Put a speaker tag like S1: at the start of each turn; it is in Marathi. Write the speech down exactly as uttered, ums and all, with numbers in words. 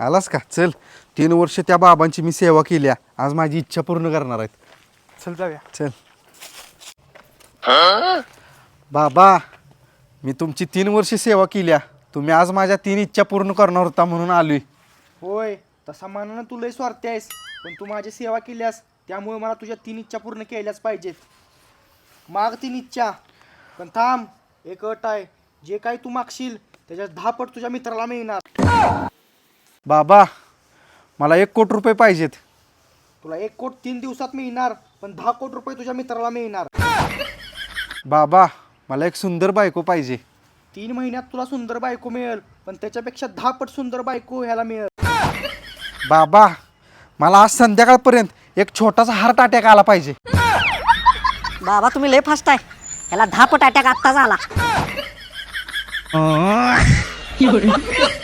S1: आलास का? चल, तीन वर्ष त्या बाबांची मी सेवा केली आहे. आज माझी इच्छा पूर्ण करणार आहेत.
S2: चल जाऊया.
S1: चल. बाबा, मी तुमची तीन वर्ष सेवा केली आहे. तुम्ही आज माझ्या तीन इच्छा पूर्ण करणार होता म्हणून आलोय.
S2: होय, तसा मानानं तू लय स्वार्थी आहेस, पण तू माझी सेवा केल्यास त्यामुळे मला तुझ्या तीन इच्छा पूर्ण केल्याच पाहिजेत. माग तीन इच्छा, पण थांब, एक अट आहे. जे काही तू मागशील त्याच्यात दहा पट तुझ्या मित्राला मिळणार.
S1: बाबा, मला एक कोटी रुपये पाहिजेत.
S2: तुला एक कोट तीन दिवसात मिळणार, पण दहा कोटी रुपये तुझ्या मित्राला मिळणार.
S1: बाबा, मला एक सुंदर बायको पाहिजे.
S2: तीन महिन्यात तुला सुंदर बायको मिळेल, पण त्याच्यापेक्षा दहा पट सुंदर बायको ह्याला मिळेल.
S1: बाबा, मला आज संध्याकाळपर्यंत एक छोटासा हार्ट अटॅक आला पाहिजे.
S3: बाबा तुम्ही लय फास्ट आहे. याला दहा पट अटॅक आत्ताच आला.